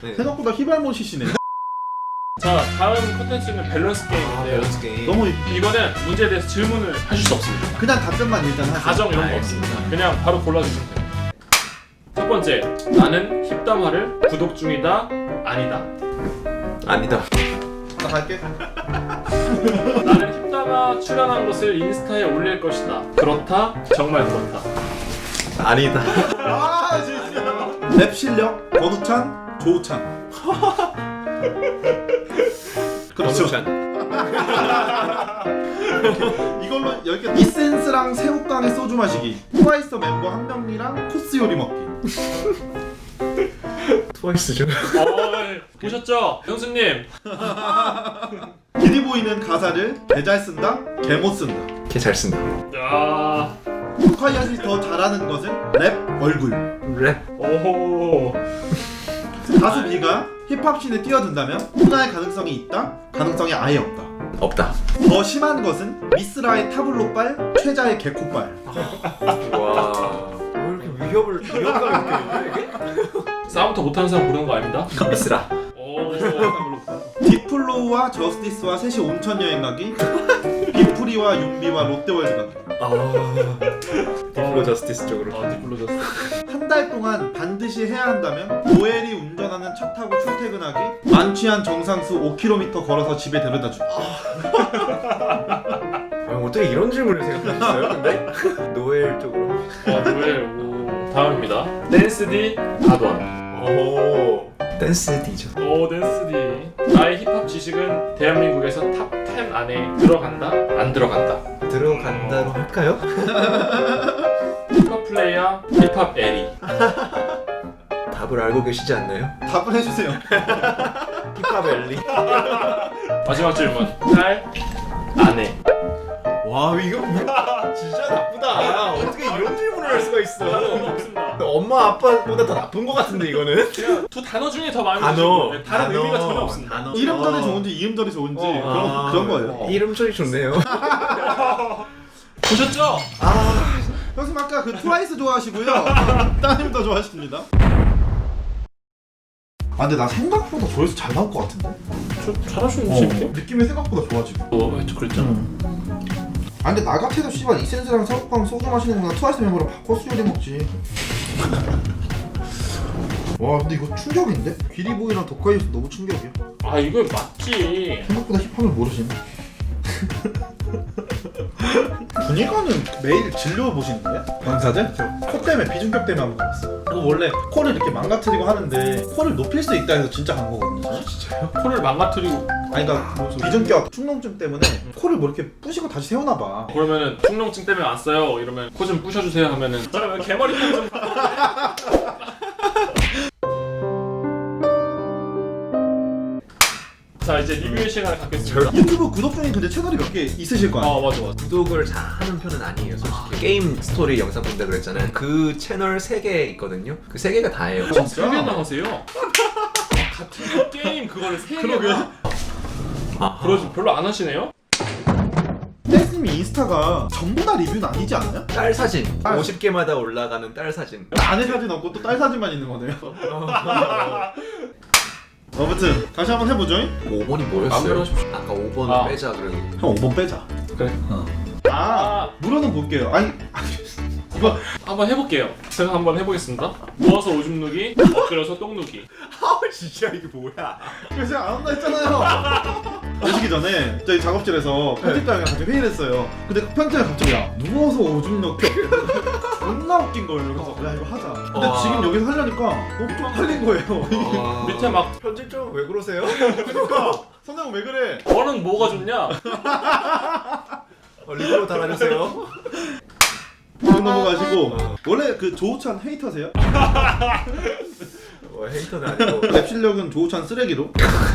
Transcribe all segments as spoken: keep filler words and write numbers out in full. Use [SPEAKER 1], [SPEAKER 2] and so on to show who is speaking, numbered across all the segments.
[SPEAKER 1] 네.
[SPEAKER 2] 생각보다 히발모시시네요.
[SPEAKER 3] 자, 다음 콘텐츠는 밸런스 게임인데요.
[SPEAKER 1] 밸런스 게임.
[SPEAKER 2] 너무
[SPEAKER 3] 이거는 문제에 대해서 질문을 하실 수 없습니다.
[SPEAKER 2] 그냥 답변만 일단 하세요.
[SPEAKER 3] 가정 이런 거
[SPEAKER 1] 알겠습니다.
[SPEAKER 3] 없습니다. 그냥 바로 골라주시면 돼요. 첫 번째, 나는 힙담화를 구독 중이다, 아니다.
[SPEAKER 1] 아니다.
[SPEAKER 2] 나 갈게.
[SPEAKER 3] 나는 힙담화 출연한 것을 인스타에 올릴 것이다. 그렇다, 정말 그렇다.
[SPEAKER 1] 아니다.
[SPEAKER 2] 아 진짜. 랩 실력 권우찬, 조우찬. 그렇죠. 이걸로 여기 이센스랑 새우깡에 소주 마시기. 트와이스 멤버 한 명이랑 코스 요리 먹기.
[SPEAKER 1] 트와이스죠.
[SPEAKER 3] 어, 보셨죠? 형수님.
[SPEAKER 2] 기리보이는 가사를 개 잘 쓴다, 개 못 쓴다.
[SPEAKER 1] 걔 잘 쓴다.
[SPEAKER 3] 야,
[SPEAKER 2] 토카이엇이 더 잘하는 것은 랩 얼굴.
[SPEAKER 1] 랩.
[SPEAKER 3] 오.
[SPEAKER 2] 가수 B가 힙합씬에 뛰어든다면 훈화의 가능성이 있다, 가능성이 아예 없다.
[SPEAKER 1] 없다.
[SPEAKER 2] 더 심한 것은 미스라의 타블로빨, 최자의 개코빨.
[SPEAKER 1] 와. 왜 이렇게 위협을 위협감 있게 이게?
[SPEAKER 3] 싸움부터 못하는 사람 고르는 거 아닙니다?
[SPEAKER 1] 미스라.
[SPEAKER 3] 오.
[SPEAKER 2] 딥플로우와 저스티스와 셋이 온천 여행 가기. 빅프리와 윤비와 롯데월드 가기.
[SPEAKER 1] 아. 디플로 저스티스 쪽으로.
[SPEAKER 3] 아, 디플로졌어.
[SPEAKER 2] 한 달 동안 반드시 해야 한다면 노엘이 운전하는 차 타고 출퇴근하기. 만취한 정상수 오 킬로미터 걸어서 집에 데려다주기.
[SPEAKER 1] 아, 어떻게 이런 질문을 생각하셨어요? 근데 노엘 쪽으로.
[SPEAKER 3] 아, 노래. 오. 다음입니다. 댄스디 아돈.
[SPEAKER 1] 오. 댄스 디죠.
[SPEAKER 3] 오, 댄스디. 나의 힙합 지식은 대한민국에서 탑 텐 안에 들어간다, 안 들어간다.
[SPEAKER 1] 들어간다로 할까요?
[SPEAKER 3] 힙합 플레이어, 힙합 에리.
[SPEAKER 1] 답을 알고 계시지 않나요?
[SPEAKER 2] 답을 해주세요.
[SPEAKER 1] 힙합 엘리.
[SPEAKER 3] 마지막 질문. 딸, 아내.
[SPEAKER 1] 와 이거 진짜 나쁘다. 어떻게 이런 질문을 할 수가 있어?
[SPEAKER 3] 없습니다.
[SPEAKER 1] 엄마 아빠보다 더 나쁜 것 같은데 이거는?
[SPEAKER 3] 두 단어 중에 더 많이
[SPEAKER 1] 단어.
[SPEAKER 3] 주시고 네, 다른
[SPEAKER 1] 단어.
[SPEAKER 3] 의미가 전혀 없습니다.
[SPEAKER 1] 단어.
[SPEAKER 2] 이름절이
[SPEAKER 1] 어.
[SPEAKER 2] 좋은지 이음절이 좋은지
[SPEAKER 3] 어.
[SPEAKER 2] 그런,
[SPEAKER 1] 아,
[SPEAKER 2] 그런 거예요.
[SPEAKER 3] 어.
[SPEAKER 1] 이름 소리 좋네요.
[SPEAKER 3] 보셨죠?
[SPEAKER 2] 아, 형님 아까 그 트와이스 좋아하시고요. 따님도 좋아하십니다. 아 근데 나 생각보다 조회수 잘 나올 것 같은데?
[SPEAKER 3] 저 잘하시는
[SPEAKER 2] 어,
[SPEAKER 3] 분인데?
[SPEAKER 2] 느낌이 생각보다 좋아 지금.
[SPEAKER 3] 어, 저 그랬잖아.
[SPEAKER 2] 아 근데 나 같아도 씨발 이센스랑 새우깡 소주 마시는 거나 트와이스 멤버랑 코스 요리 먹지. 와 근데 이거 충격인데? 기리보이랑 도카이스 너무 충격이야.
[SPEAKER 3] 아, 이거 맞지.
[SPEAKER 2] 생각보다 힙합을 모르시네. 분위가는 매일 진료 보시는데? 강사들? 코 때문에 비중격 때문에 한 번 봤어. 이거 원래 코를 이렇게 망가뜨리고 하는데 코를 높일 수 있다 해서 진짜 간 거거든요.
[SPEAKER 1] 진짜요?
[SPEAKER 3] 코를 망가뜨리고
[SPEAKER 2] 아니 그러니까 비중격 축농증 때문에 코를 뭐 이렇게 부시고 다시 세우나 봐.
[SPEAKER 3] 그러면은 축농증 때문에 안 써요. 이러면 코 좀 부셔주세요 하면은 그러면 개머리 좀. 자, 이제 리뷰의 시간을 갖겠습니다.
[SPEAKER 2] 유튜브 구독 중에 근데 채널이 몇 개 있으실 거 아니야?
[SPEAKER 3] 어, 맞아, 맞아.
[SPEAKER 1] 구독을 잘 하는 편은 아니에요, 솔직히. 게임 스토리 영상 본다 그랬잖아요. 그 채널 세 개 있거든요. 그 세 개가 다예요.
[SPEAKER 2] 진짜?
[SPEAKER 3] 세 개나 하세요? 아, 같은 게임 그거를 세 개나.
[SPEAKER 1] 아,
[SPEAKER 3] 그러지 별로 안 하시네요?
[SPEAKER 2] 댄스님이 인스타가 전부 다 리뷰는 아니지 않아요?
[SPEAKER 1] 딸 사진.
[SPEAKER 2] 아.
[SPEAKER 1] 오십 개마다 올라가는 딸 사진.
[SPEAKER 2] 아내 사진 없고 또 딸 사진만 있는 거네요. 아무튼 다시 한번 해보죠.
[SPEAKER 1] 오 번이
[SPEAKER 3] 마음대로
[SPEAKER 1] 뭐였어요?
[SPEAKER 3] 하십시오.
[SPEAKER 1] 아까 오 번
[SPEAKER 3] 아.
[SPEAKER 1] 빼자 그러고.
[SPEAKER 2] 형 오 번 빼자.
[SPEAKER 3] 그래.
[SPEAKER 2] 아
[SPEAKER 3] 아,
[SPEAKER 2] 물어는 볼게요. 아니 이거
[SPEAKER 3] 한번 해볼게요. 제가 한번 해보겠습니다. 누워서 오줌 누기, 엎드려서 똥 누기.
[SPEAKER 1] 아 진짜 이게 뭐야?
[SPEAKER 2] 그래서 제가 안 한다 했잖아요. 오시기 전에 저희 작업실에서 편집장이랑 같이 회의를 했어요. 근데 편집장이 갑자기 야 누워서 오줌 넣기 존나 웃긴 거예요. 그래서 야 이거 하자. 근데
[SPEAKER 1] 와.
[SPEAKER 2] 지금 여기서 하려니까 너무 쪽팔린 거예요.
[SPEAKER 1] 아.
[SPEAKER 3] 밑에 막
[SPEAKER 1] 편집점 왜 그러세요?
[SPEAKER 2] 그러니까 선생님 왜 그래?
[SPEAKER 3] 너는 뭐가 좋냐?
[SPEAKER 1] 어, 리뷰로 달아주세요.
[SPEAKER 2] 다음 넘어가시고 원래 그 조우찬 헤이터세요?
[SPEAKER 1] 어, 헤이터는 아니고.
[SPEAKER 2] 랩 실력은 조우찬 쓰레기로.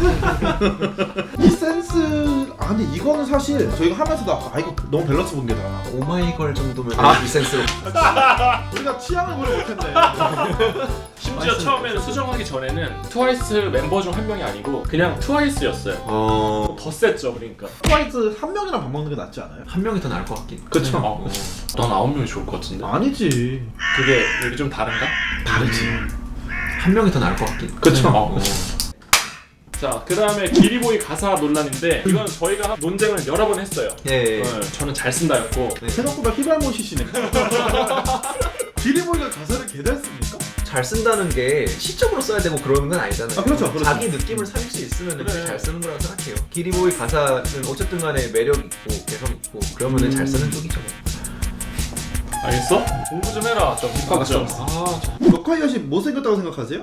[SPEAKER 2] 이 센스 아 근데 이거는 사실 저희가 하면서도 아까 아 이거 너무 밸런스 붕괴다.
[SPEAKER 1] 오마이걸 정도면
[SPEAKER 2] 아.
[SPEAKER 1] 이 센스로.
[SPEAKER 2] 우리가 취향을 고려 못했네.
[SPEAKER 3] 심지어 처음에는 수정하기 전에는 트와이스 멤버 중 한 명이 아니고 그냥 트와이스였어요.
[SPEAKER 1] 어.
[SPEAKER 3] 더 셌죠, 그러니까.
[SPEAKER 2] 트와이스 한 명이랑 밥 먹는 게 낫지 않아요?
[SPEAKER 1] 한 명이 더 나을 것 같긴.
[SPEAKER 2] 그쵸.
[SPEAKER 3] 어, 난 아홉 명이 좋을 것 같은데.
[SPEAKER 2] 아니지.
[SPEAKER 3] 그게 여기 좀 다른가?
[SPEAKER 2] 다르지.
[SPEAKER 1] 한 명이 더 나을 것 같긴.
[SPEAKER 2] 그쵸.
[SPEAKER 1] 어.
[SPEAKER 3] 자, 그 다음에 기리보이 가사 논란인데 이건 저희가 논쟁을 여러 번 했어요.
[SPEAKER 1] 예. 예.
[SPEAKER 3] 어, 저는 잘 쓴다였고
[SPEAKER 2] 생각보다 히발모시시네. 기리보이가 가사를 개잘 씁니까?
[SPEAKER 1] 잘 쓴다는 게 시적으로 써야 되고 그러는 건 아니잖아요.
[SPEAKER 2] 아, 그렇죠, 그렇죠.
[SPEAKER 1] 자기 느낌을 살릴 수 있으면
[SPEAKER 3] 그래.
[SPEAKER 1] 잘 쓰는 거라고 생각해요. 기리보이 가사는 어쨌든 간에 매력 있고 개성 있고 그러면은 잘 쓰는 쪽이죠.
[SPEAKER 3] 알겠어? 공부 좀 해라. 좀 힙합 좀. 아, 저-
[SPEAKER 2] 럭카이엇이 못생겼다고 생각하세요?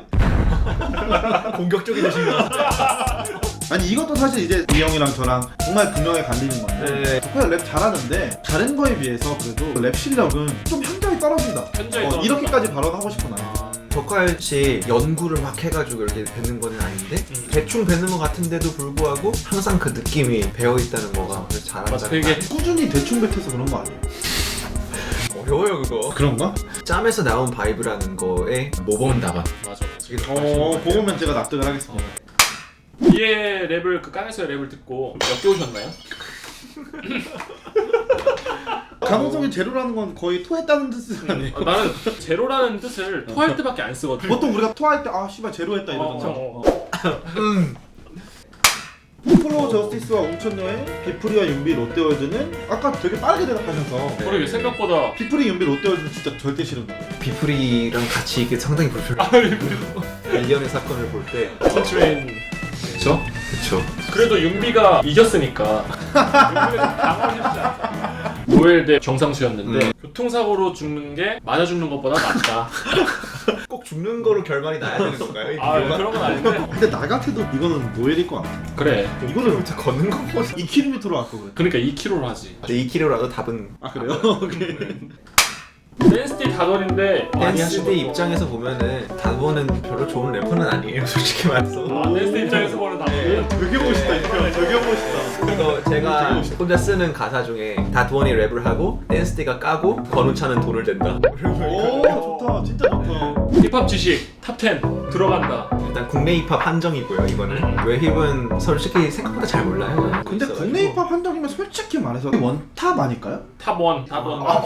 [SPEAKER 1] 공격적이 되신가?
[SPEAKER 2] 아니 이것도 사실 이제 이 형이랑 저랑 정말 분명히 갈리는 건데
[SPEAKER 1] 네.
[SPEAKER 2] 덕화가 랩 잘하는데 다른 거에 비해서 그래도 랩 실력은 좀 현저히 떨어진다.
[SPEAKER 3] 현저히
[SPEAKER 2] 어,
[SPEAKER 3] 떨어진다.
[SPEAKER 2] 이렇게까지 발언하고 싶어 나는.
[SPEAKER 3] 아,
[SPEAKER 1] 덕화연 씨 연구를 막 해가지고 이렇게 뱉는 건 아닌데
[SPEAKER 3] 음.
[SPEAKER 1] 대충 뱉는 것 같은데도 불구하고 항상 그 느낌이 배어 있다는 거가 그래서
[SPEAKER 3] 맞아,
[SPEAKER 1] 잘한다는
[SPEAKER 3] 되게
[SPEAKER 1] 거
[SPEAKER 2] 꾸준히 대충 뱉어서 그런 거 아니에요?
[SPEAKER 1] 어려워요 그거.
[SPEAKER 2] 그런가?
[SPEAKER 1] 짬에서 나온 바이브라는 거에 모범 답안.
[SPEAKER 3] 맞아. 맞아.
[SPEAKER 2] 어, 그거면 제가 납득을 하겠습니다.
[SPEAKER 3] 이의 랩을 그 깡에서의 랩을 듣고 역겨우셨나요?
[SPEAKER 2] 가능성이 제로라는 건 거의 토했다는 뜻은 아니에요?
[SPEAKER 3] 아, 나는 제로라는 뜻을 토할 때밖에 안 쓰거든.
[SPEAKER 2] 보통 우리가 토할 때 아 씨발 제로했다 이러잖아.
[SPEAKER 3] 어, 어,
[SPEAKER 1] 음.
[SPEAKER 2] 프로 저스티스와 웅천여의 비프리와 윤비 롯데월드는 아까 되게 빠르게 대답하셔서
[SPEAKER 3] 그러게 생각보다
[SPEAKER 2] 비프리 윤비 롯데월드는 진짜 절대 싫은 거예요.
[SPEAKER 1] 비프리랑 같이 이게 상당히 불편해요. 일련의 사건을 볼 때.
[SPEAKER 3] 서치웨인.
[SPEAKER 1] 그쵸? 그쵸.
[SPEAKER 3] 그래도 윤비가 이겼으니까 윤비가 좀 강화했지 않아. 노엘 대 정상수였는데
[SPEAKER 1] 음.
[SPEAKER 3] 교통사고로 죽는 게 맞아 죽는 것보다 낫다.
[SPEAKER 1] 꼭 죽는 거로 결말이 나야 되는 건가요? 이
[SPEAKER 3] 아
[SPEAKER 1] 비교가?
[SPEAKER 3] 그런 건 아닌데.
[SPEAKER 2] 근데 나 같아도 이거는 노엘일 것 같아.
[SPEAKER 3] 그래.
[SPEAKER 2] 이거는
[SPEAKER 1] 진짜 걷는 거보다.
[SPEAKER 2] 이 킬로미터로 할 거거든.
[SPEAKER 3] 그러니까 이 킬로로 하지.
[SPEAKER 1] 근데 이 킬로라도 답은
[SPEAKER 2] 아 그래요? 오케이.
[SPEAKER 3] 댄스티 다돌인데 많이
[SPEAKER 1] 댄스대
[SPEAKER 3] 하시고
[SPEAKER 1] 입장에서 보면은 다보는 별로 좋은 래퍼는 아니에요 솔직히 말해서.
[SPEAKER 3] 아 댄스티 입장에서 보는 다돌은
[SPEAKER 2] 되게 멋있다 이거. 되게 멋있다.
[SPEAKER 1] 그래서 제가 혼자 쓰는 가사 중에 다두원이 랩을 하고 댄스대가 까고 건우차는 돈을 댄다.
[SPEAKER 2] 오 좋다. 진짜 좋다.
[SPEAKER 3] 힙합 지식 탑 텐 들어간다.
[SPEAKER 1] 일단 국내 힙합 한정이고요 이거는. 외힙은 솔직히 생각보다 잘 몰라요.
[SPEAKER 2] 근데
[SPEAKER 1] 있어가지고.
[SPEAKER 2] 국내 힙합 한정이면 솔직히 말해서 원탑 아닐까요?
[SPEAKER 3] 탑 원, 탑 원.
[SPEAKER 2] 아.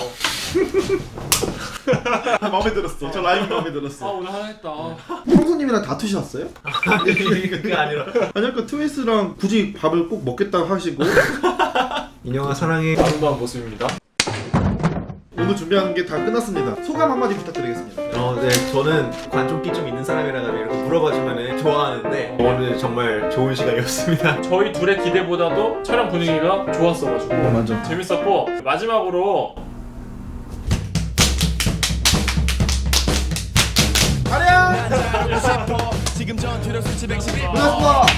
[SPEAKER 2] 마음에 들었어. 저 라임 마음에
[SPEAKER 3] 아
[SPEAKER 2] 들었어.
[SPEAKER 3] 오늘 하나 했다.
[SPEAKER 2] 형수님이랑 다투셨어요?
[SPEAKER 1] 그게 아니라
[SPEAKER 2] 아니 아까 트위스랑 굳이 밥을 꼭 먹겠다고 하시고
[SPEAKER 1] 인형아 사랑해.
[SPEAKER 3] 아름다운 모습입니다.
[SPEAKER 2] 오늘 준비하는 게 다 끝났습니다. 소감 한마디 부탁드리겠습니다.
[SPEAKER 1] 어, 네, 저는 관종기 좀 있는 사람이라면 이렇게 물어봐주면 좋아하는데 오늘 정말 좋은 시간이었습니다.
[SPEAKER 3] 저희 둘의 기대보다도 촬영 분위기가 좋았어가지고
[SPEAKER 2] 어, 맞아.
[SPEAKER 3] 재밌었고 마지막으로
[SPEAKER 2] 아리야!
[SPEAKER 4] 지금 전투력 수치 백십일
[SPEAKER 2] 고맙습니다.